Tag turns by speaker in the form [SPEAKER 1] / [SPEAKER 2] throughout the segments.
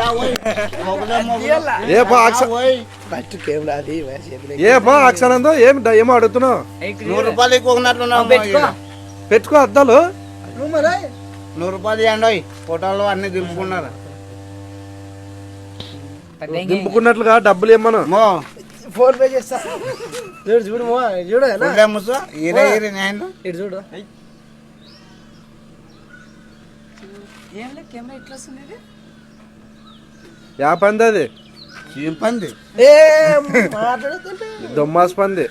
[SPEAKER 1] అక్షరంతో ఏమో అడుగుతున్నావు?
[SPEAKER 2] 100 రూపాయలు ఎక్కువ
[SPEAKER 1] పెట్టుకో అద్దాలు.
[SPEAKER 2] 100 రూపాయలు ఇవ్వండి. ఫోటోలు అన్ని దింపుకున్నారు.
[SPEAKER 1] దింపుకున్నట్లుగా డబ్బులు ఏమన్నా
[SPEAKER 3] ఫోన్ పే చేస్తా. చూడు చూడు చూడు చూడు.
[SPEAKER 1] యా పంది అది?
[SPEAKER 2] ఏం పంది?
[SPEAKER 1] దొమ్మాస్ పంది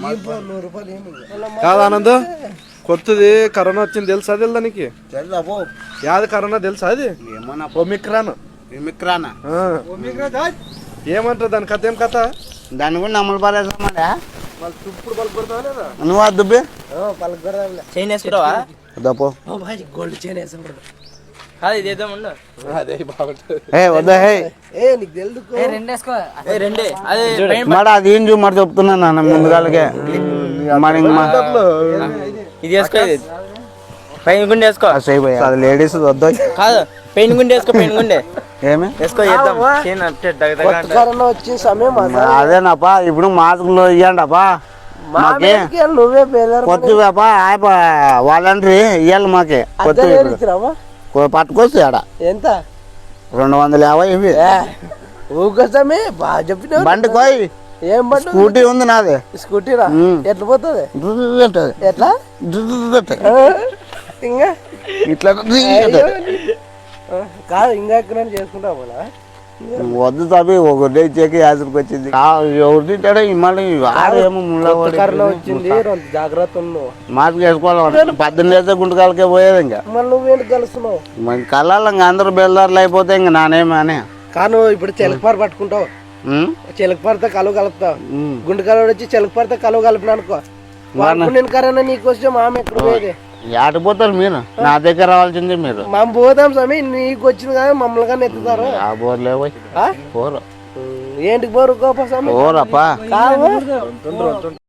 [SPEAKER 1] కాదు ఆనంద్. కొత్తది కరోనా వచ్చింది తెలుసా? దానికి యాది కరోనా తెలుసా? అది ఒమిక్రాన్. ఏమంటారు దాని కథ? ఏం కథ?
[SPEAKER 2] దాన్ని కూడా నమ్మలు పారేసామా? నువ్వు దుబ్బే
[SPEAKER 3] చైన్ వేసుకుంటావా?
[SPEAKER 2] గోల్డ్ చైన్
[SPEAKER 3] వేసుకుంటాడు.
[SPEAKER 2] అది ఏం చూ మరి చెప్తున్నా నాన్న ముందుగాలకే.
[SPEAKER 3] పైన గుండె వేసుకో.
[SPEAKER 2] అది లేడీస్ వద్దా
[SPEAKER 3] కాదు, పెయిన్ గుండె వేసుకో. పెయిన్ గుండె
[SPEAKER 2] ఏమి
[SPEAKER 3] వేసుకో. వచ్చిన సమయం
[SPEAKER 2] అదేనప్పా. ఇప్పుడు మాస్కులు ఇవ్వండిపా.
[SPEAKER 3] నువ్వే
[SPEAKER 2] కొత్తపా వాలంటరీ ఇవ్వాలి మాకే. కొత్త పట్టుకొచ్చి ఆడ
[SPEAKER 3] ఎంత?
[SPEAKER 2] 250 ఇవి.
[SPEAKER 3] ఊకోసమే బాగా చెప్పిన.
[SPEAKER 2] బండి కోయి.
[SPEAKER 3] ఏం బండి?
[SPEAKER 2] స్కూటీ ఉంది నాది.
[SPEAKER 3] స్కూటీరా? ఎట్లా పోతుంది? ఎట్లా ఇంకా
[SPEAKER 2] ఇట్లా
[SPEAKER 3] కాదు, ఇంకా ఎక్కడ చేసుకుంటావు?
[SPEAKER 2] వద్దు తప్పి ఒకటే చెక్కి యాసరికి వచ్చింది. ఎవరు తింటాడో మళ్ళీ
[SPEAKER 3] కరోనా వచ్చింది. జాగ్రత్త ఉన్నావు.
[SPEAKER 2] మాస్క్ వేసుకోవాలి. 18 గుంటకాలకే పోయేది. ఇంకా
[SPEAKER 3] మళ్ళీ నువ్వేంటి కలుస్తున్నావు?
[SPEAKER 2] మరి కళ్ళాలి. ఇంకా అందరూ బెల్దారులు అయిపోతే ఇంకా నానేమనే.
[SPEAKER 3] కాను ఇప్పుడు చిలకపార పట్టుకుంటావు. చిలకపారతో కలువ కలుపుతావు. గుంటకాలు వచ్చి చిలకపారతో కలువ కలిపిన అనుకో. నేను కరోనా నీకు వచ్చే మామ ఎక్కడ పోయేది?
[SPEAKER 2] ఆడిపోతారు మీరు. నా దగ్గర రావాల్సింది మీరు.
[SPEAKER 3] మేము పోదాం స్వామి. నీకు వచ్చింది కదా మమ్మల్ని కానీ ఎత్తుతారు.
[SPEAKER 2] పోరు
[SPEAKER 3] ఏంటికి పోరు గోప స్వామి?
[SPEAKER 2] పోరప్పా.